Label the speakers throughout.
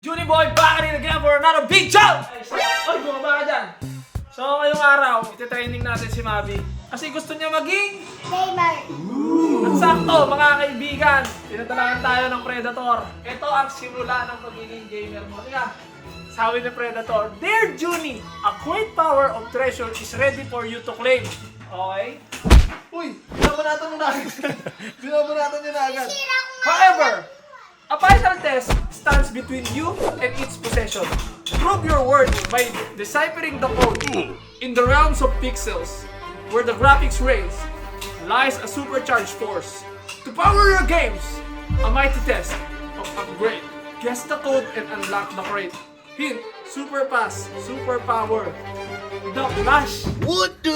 Speaker 1: Junie Boy, back again for another big jump! Oy, bumaba ka dyan! So, ngayong araw, iti-training natin si Mabi. Kasi gusto niya maging...
Speaker 2: Gamer.
Speaker 1: At sakto, mga kaibigan, pinadalagan tayo ng Predator. Ito ang simula ng pagiging gamer mo. Kaya, sabi ni Predator, Dear Junie, a great power of treasure is ready for you to claim. Okay? Uy, binabanatan mo na agad. Binabanatan niya na agad. However, a final test stands between you and its possession. Prove your worth by deciphering the code in the realms of pixels, where the graphics race lies a supercharged force. To power your games, a mighty test of upgrade. Guess the code and unlock the crate. Hint, super pass, super power. The Flash.
Speaker 3: What the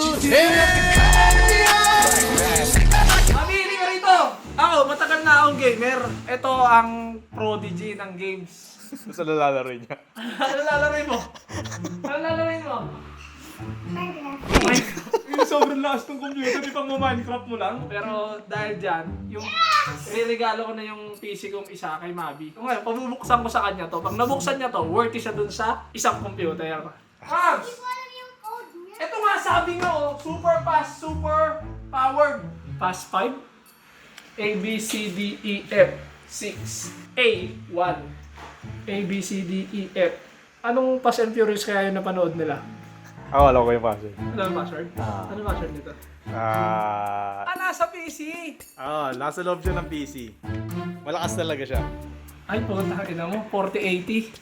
Speaker 3: hell?
Speaker 1: Mamili ka rito! Ako, matagal na akong gamer. Ito ang prodigy ng games.
Speaker 3: Basta nalalaro niya.
Speaker 1: Ano lalaroin mo? Ano lalaroin mo?
Speaker 2: Minecraft.
Speaker 1: Yung sobrang lakas ng computer, di pang Minecraft mo lang. Pero dahil dyan, yung regalo ko na yung PC kong isa kay Mabi. Kung ngayon, pabubuksan ko sa kanya to. Pag nabuksan niya to, worthy siya dun sa isang computer. Mabs!
Speaker 2: Hindi ko alam yung code niya.
Speaker 1: Ito nga sabi nga oh, super fast, super powered. Fast 5? A, B, C, D, E, F. 6. A, 1. A, B, C, D, E, F. Anong Fast and Furious kaya yung napanood nila?
Speaker 3: Ako, alam ko yung password.
Speaker 1: Ano ang password? Ano ang password nito? Nasa PC!
Speaker 3: Nasa loob siya ng PC. Malakas talaga siya.
Speaker 1: Ay, puta, ina mo, 4080.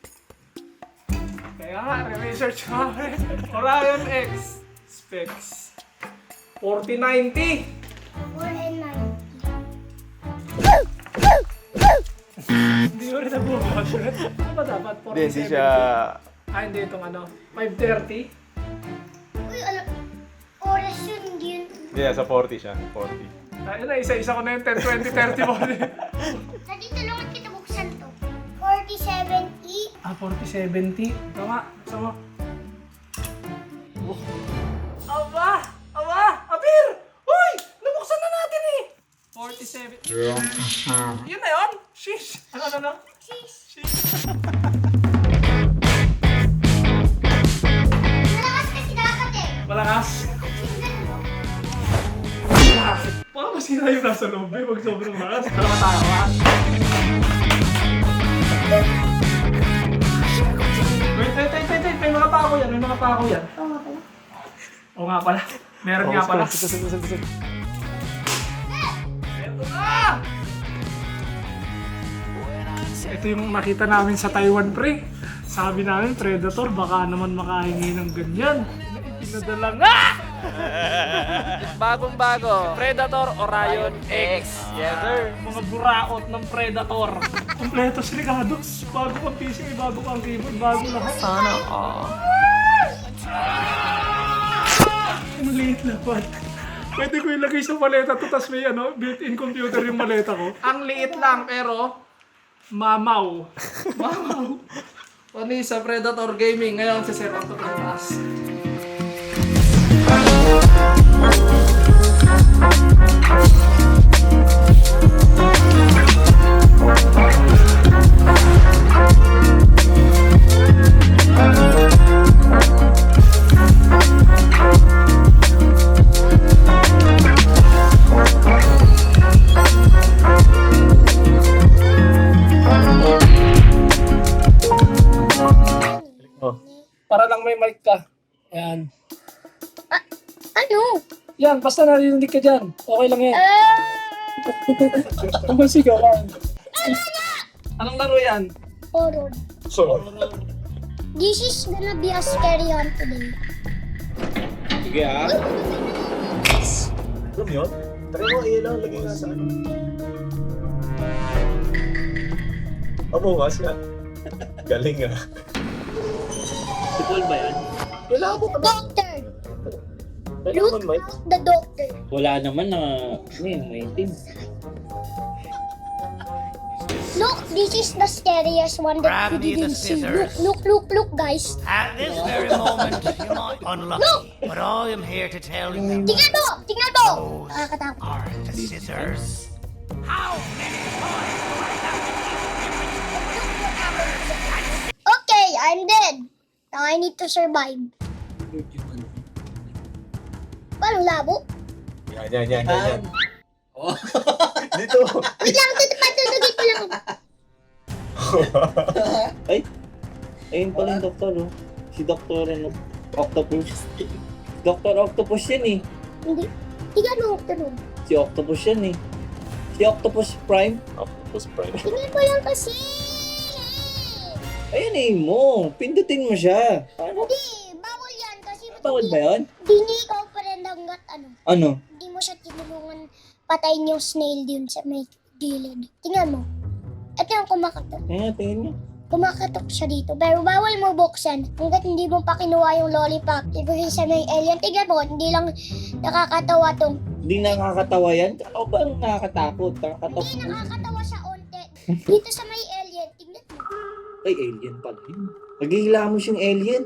Speaker 1: Kaya nga, research ko. Orion X. Specs. 4090.
Speaker 2: 490.
Speaker 1: Hindi ko rin nabubukas yun. Ano ba dapat? 4070?
Speaker 3: Hindi siya...
Speaker 1: Hindi itong ano, 530.
Speaker 2: Uy, alam. Oras yun, hindi yun.
Speaker 3: Hindi, sa 40 siya. 40.
Speaker 1: Ayun na, isa-isa ko na yung 10, 20, 30 mo.
Speaker 2: Nandito lang at kita buksan to. 47E.
Speaker 1: 4070. Tama, sama. Aba! Aba! Abir! Uy! Nabuksan na natin eh! 47. Yun na yun? Sheesh! Ano?
Speaker 2: Sis.
Speaker 1: Sheesh.
Speaker 2: Malakas kasi dapat eh.
Speaker 1: Malakas. Parang masira yung nasa loob eh. Huwag sobrang malakas. Dalawa tayo ha. Wait. May mga pako yan. Oo nga pala. Meron nga pala. Ito na! Ito yung nakita namin sa Taiwan, pre. Sabi namin, Predator, baka naman makahingi ng ganyan. Pinadala nga! Bagong bago, Predator Orion X. Yes, sir. Mga buraot ng Predator. Kompleto si Ricardo's. Bago kang PC, bago kang keyboard, bago lahat. Sana Ang liit na pa. Pwede ko ilagay sa maleta to, tas may built-in computer yung maleta ko. Ang liit lang, pero mamaw. Mamaw. Pani sa Predator Gaming. Ngayon, si Sir Octo Class. Para lang may mic ka. Yan.
Speaker 2: Ano?
Speaker 1: Yan, basta narinig ka dyan. Okay lang yan. Ang sigawan. Anong laro yan?
Speaker 2: Horror.
Speaker 1: So,
Speaker 2: This is gonna be a scary one today.
Speaker 3: Sige ah. Alam yun? Try mo ilaw, lagay nga sa ano. Bukas ka. Galing ah. Si Paul ba yan? Kailangan mo ka ba?
Speaker 2: Doctor!
Speaker 3: Kailangan
Speaker 2: Look
Speaker 3: mo, Mike.
Speaker 2: out the doctor.
Speaker 4: Wala naman na may team.
Speaker 2: Look, this is the scariest one that
Speaker 5: Grab
Speaker 2: we
Speaker 5: me the
Speaker 2: didn't see.
Speaker 5: scissors.
Speaker 2: Look, guys.
Speaker 5: At this very moment, you might be unlucky, but I am here to tell you
Speaker 2: Tingnan mo!
Speaker 5: those
Speaker 2: Nakakatakot.
Speaker 5: are the scissors. How many times do I have to keep
Speaker 2: I'm dead. Now I need to survive. Parang labo.
Speaker 3: Yan.
Speaker 4: Oh.
Speaker 3: Dito.
Speaker 2: Wait lang, patutugin ko lang.
Speaker 4: Ay! Ayun pala yung doktor, oh. Si Doktor, ano? Octopus. Doktor Octopus yan, eh.
Speaker 2: Hindi. Tingnan mo, tulog.
Speaker 4: Si Octopus yan, eh. Si Octopus Prime.
Speaker 3: Octopus Prime.
Speaker 2: Tingnan mo lang kasi.
Speaker 4: Ayun, eh, mo. Pindutin mo siya. Paano?
Speaker 2: Hindi, bawal yan kasi
Speaker 4: Bawal ba yun?
Speaker 2: Hindi niya ikaw pa rin hanggat ano.
Speaker 4: Ano?
Speaker 2: Hindi mo siya tinulungan patayin yung snail dun sa may gilid. Tingnan mo. Ito yung kumakatok.
Speaker 4: Ayan, tingin niya.
Speaker 2: Kumakatok siya dito. Pero bawal mo buksan hanggat hindi mo pa kinuha yung lollipop. Ibigay sa may alien. Tingnan mo, hindi lang nakakatawa tong.
Speaker 4: Hindi nakakatawa yan? O ba ang nakakatakot? Nakakatakot.
Speaker 2: Hindi nakakatawa siya onte. Dito sa may alien, tingnan mo.
Speaker 4: Ay, alien pala yun. Naghihilamos yung alien.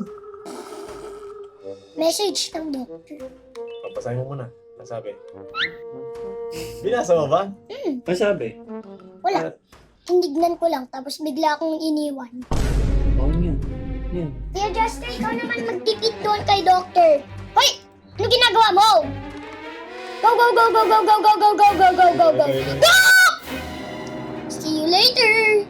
Speaker 2: Message ng doctor.
Speaker 3: Papasahin mo muna. Nasabi. Binasa mo ba?
Speaker 4: Masabi?
Speaker 2: Wala. Tinignan ko lang tapos bigla akong iniwan.
Speaker 4: Oo, yun. Yan.
Speaker 2: Kaya Justin, ikaw naman magtipid doon kay doctor. Hoy! Ano ginagawa mo? Go, go, go, go, go, go, go, go, go, go, go, go, go. Go! See you later.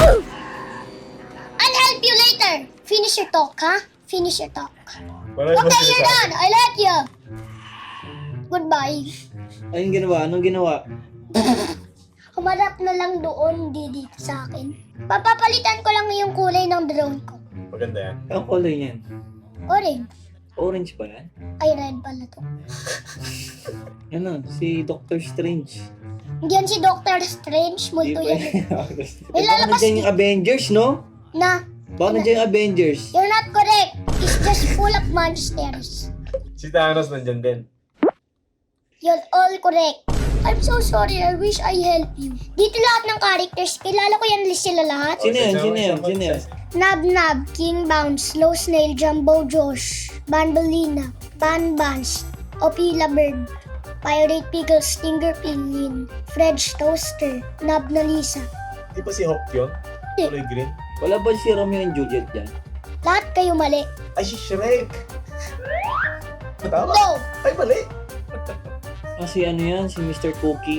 Speaker 2: I'll help you later. Finish your talk, ha? Finish your talk. Okay, you're done. I let you. Goodbye.
Speaker 4: Anong ginawa? Anong ginawa?
Speaker 2: Humarap na lang doon, hindi dito sa akin. Papapalitan ko lang yung kulay ng drone ko.
Speaker 3: Maganda yan.
Speaker 4: Ang color niyan?
Speaker 2: Orange.
Speaker 4: Orange ba yan?
Speaker 2: Ay, red pala to.
Speaker 4: Ano? Si Doctor Strange.
Speaker 2: Hindi yan si Doctor Strange. Multo yan.
Speaker 4: May
Speaker 2: lalabas
Speaker 4: nandiyan yung Avengers, no?
Speaker 2: Na,
Speaker 4: Baka nandiyan yung Avengers.
Speaker 2: you're not correct. It's just full of monsters.
Speaker 3: Si Thanos nandyan din.
Speaker 2: You're all correct. I'm so sorry. I wish I help you. Dito lahat ng characters. Kilala ko yan sila lahat.
Speaker 4: Sino yan? Sino yan? Sino yan?
Speaker 2: Nab-Nab, King Bounce, Slow Snail, Jumbo Josh, Banbaleena, Banbans, Opila Bird, Pirate Pickle, Stinger Pingin, Fred's Toaster, Nab na Lisa.
Speaker 3: Di ba si Hawk yun? Kulay green?
Speaker 4: Wala ba si Romeo and Juliet dyan?
Speaker 2: Lahat kayo mali.
Speaker 3: Ay, si Shrek! Tama?
Speaker 2: No!
Speaker 3: Ay, mali!
Speaker 4: Kasi ano yan? Si Mr. Cookie.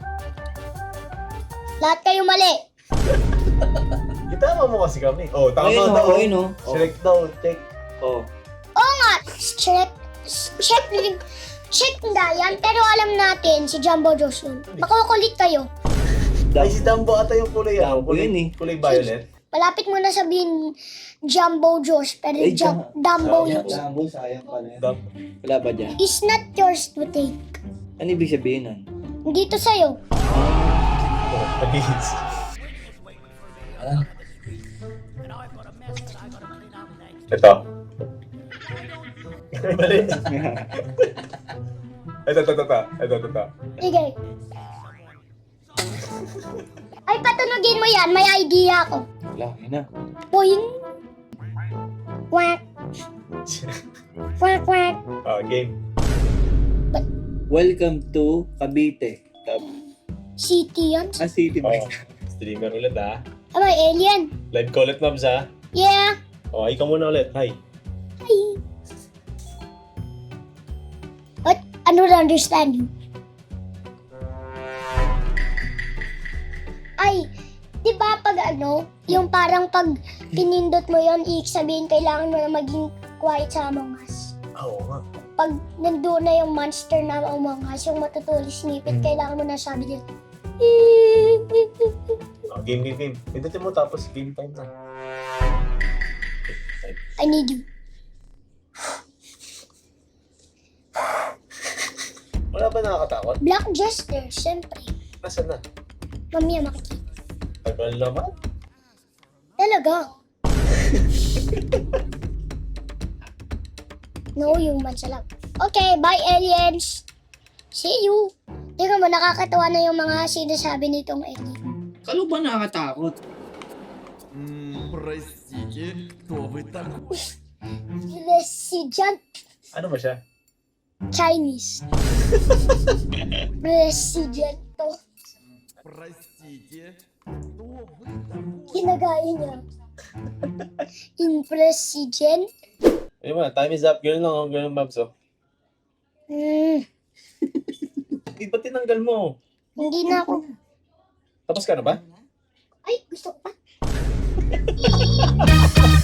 Speaker 2: Lahat kayo mali.
Speaker 3: Itama mo kasi kami. Oh, tama
Speaker 4: Ayun,
Speaker 3: daw.
Speaker 4: ayun, oh.
Speaker 3: Shrek daw, check.
Speaker 4: Oh.
Speaker 2: Oo nga, check nga yan. Pero alam natin, si Jumbo Josh yun. Makukulit kayo.
Speaker 3: Ay, si Dumbo ata yung kulay.
Speaker 4: Dumbo yun eh.
Speaker 3: Kulay violet.
Speaker 2: Malapit mo na sabihin Jumbo Josh, pero
Speaker 4: Ay,
Speaker 2: Dumbo yun.
Speaker 4: Dumbo, sayang pala yan.
Speaker 3: Dumbo.
Speaker 4: Wala ba dyan?
Speaker 2: Is not yours to take.
Speaker 4: Ano ibig sabihin nun?
Speaker 2: Dito sa'yo.
Speaker 3: Please. Ito. Mali. Ito.
Speaker 2: Sige. Ay, patunogin mo yan. May idea ako.
Speaker 4: Wala, yun na.
Speaker 2: Boing. Quack. Quack, quack.
Speaker 3: Oh, game.
Speaker 4: Welcome to Cavite.
Speaker 2: City yan.
Speaker 4: City ba?
Speaker 3: Oh, streamer ulit ah.
Speaker 2: Ah, may alien.
Speaker 3: Live ko ulit, Mabs ah.
Speaker 2: Yeah.
Speaker 3: Oh, ikaw muna ulit. Hi.
Speaker 2: Hi. What? I don't understand you. Ay, di ba pag ano, yung parang pag pinindot mo yon, ibig sabihin kailangan mo na maging quiet sa Among Us.
Speaker 3: Oo nga.
Speaker 2: Pag nandoon na yung monster na Among Us, yung matutulis snippet, kailangan mo na sabi dito.
Speaker 3: Oh, game. Pindutin mo tapos game time na.
Speaker 2: I need you.
Speaker 3: Wala ba nakakatakot?
Speaker 2: Black Jester, syempre.
Speaker 3: Nasaan na?
Speaker 2: Mamaya makikita.
Speaker 3: Tagal naman.
Speaker 2: Talaga. No, yung matsalap. Okay, bye aliens. See you. Tingnan mo, nakakatawa na yung mga sinasabi nitong alien.
Speaker 4: Kalo ba nakakatakot?
Speaker 6: Простите, кто вы такой?
Speaker 2: President
Speaker 3: Ano ba siya?
Speaker 2: Chinese. President to.
Speaker 6: Простите, кто вы такой?
Speaker 2: Ginagaya niya. Impress si Jen.
Speaker 3: Ayun mo, time is up. Girl lang, oh. Girl Babs, oh. Ba't tinanggal mo?
Speaker 2: Hindi na ako.
Speaker 3: Tapos ka na ba?
Speaker 2: Ay, gusto ko pa.